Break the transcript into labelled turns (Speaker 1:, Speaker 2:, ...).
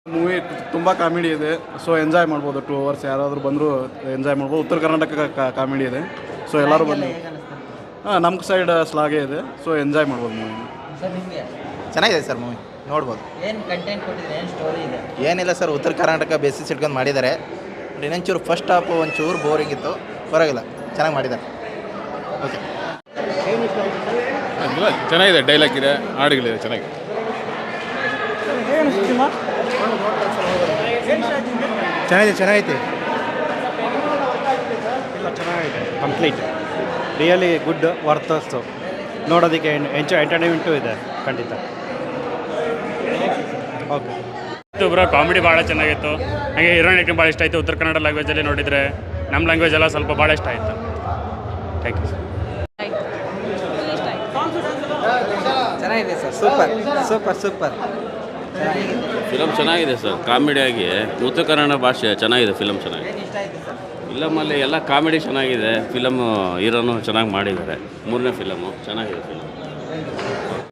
Speaker 1: Movie ತುಂಬ comedy ಇದೆ. So enjoy ಮಾಡ್ಬೋದು. 2 hours ಯಾರಾದರೂ ಬಂದರೂ ಎಂಜಾಯ್ ಮಾಡ್ಬೋದು. ಉತ್ತರ ಕರ್ನಾಟಕ ಕಾಮಿಡಿ ಇದೆ. ಸೊ ಎಲ್ಲರೂ ಬಂದು ನಮ್ಮ ಸೈಡ್ ಸ್ಲಾಗೆ ಇದೆ. ಸೊ ಎಂಜಾಯ್ ಮಾಡ್ಬೋದು ಮೂವಿ.
Speaker 2: ಚೆನ್ನಾಗಿದೆ ಸರ್ ಮೂವಿ, ನೋಡ್ಬೋದು.
Speaker 3: ಏನು ಕಂಟೆಂಟ್ ಕೊಟ್ಟಿದ್ರೆ, ಏನು ಸ್ಟೋರಿ ಇದೆ?
Speaker 2: ಏನಿಲ್ಲ ಸರ್, ಉತ್ತರ ಕರ್ನಾಟಕ ಬೇಸಿಸ್ ಇಟ್ಕೊಂಡು ಮಾಡಿದ್ದಾರೆ. ಇನ್ನೊಂಚೂರು ಫಸ್ಟ್ ಹಾಫು ಒಂಚೂರು ಬೋರಿಂಗ್ ಇತ್ತು, ಪರವಾಗಿಲ್ಲ, ಚೆನ್ನಾಗಿ ಮಾಡಿದ್ದಾರೆ. ಓಕೆ,
Speaker 4: ಚೆನ್ನಾಗಿದೆ. ಡೈಲಾಗ್ ಇದೆ, ಹಾಡುಗಳಿದೆ, ಚೆನ್ನಾಗಿದೆ.
Speaker 2: ಚೆನ್ನಾಗೈತೆ.
Speaker 5: ಇಲ್ಲ, ಚೆನ್ನಾಗಿದೆ. ಕಂಪ್ಲೀಟ್ ರಿಯಲಿ ಗುಡ್, ವರ್ತಸ್ಸು ನೋಡೋದಕ್ಕೆ. ಎಂಟರ್ಟೈನ್ಮೆಂಟು ಇದೆ ಖಂಡಿತ. ಓಕೆ,
Speaker 6: ಬ್ರೋ ಕಾಮಿಡಿ ಭಾಳ ಚೆನ್ನಾಗಿತ್ತು. ಹಾಗೆ ಹೀರೋಯಿನ್ ಆ್ಯಕ್ಟಿಂಗ್ ಭಾಳ ಇಷ್ಟ ಆಯಿತು. ಉತ್ತರ ಕನ್ನಡ ಲ್ಯಾಂಗ್ವೇಜಲ್ಲಿ ನೋಡಿದರೆ ನಮ್ಮ ಲ್ಯಾಂಗ್ವೇಜ್ ಎಲ್ಲ ಸ್ವಲ್ಪ ಭಾಳ ಇಷ್ಟ ಆಯಿತು. Thank you.
Speaker 3: ಚೆನ್ನಾಗಿದೆ sir, super super super.
Speaker 7: Film ಚೆನ್ನಾಗಿದೆ ಸರ್. ಕಾಮಿಡಿಯಾಗಿ ಉತ್ತರ ಕನ್ನಡ ಭಾಷೆ ಚೆನ್ನಾಗಿದೆ. ಫಿಲಮ್ ಚೆನ್ನಾಗಿದೆ. ಫಿಲಮಲ್ಲಿ ಎಲ್ಲ ಕಾಮಿಡಿ ಚೆನ್ನಾಗಿದೆ. ಫಿಲಮು ಹೀರೋನು ಚೆನ್ನಾಗಿ ಮಾಡಿದ್ದಾರೆ. 3ನೇ ಫಿಲಮು ಚೆನ್ನಾಗಿದೆ. ಫಿಲಮ್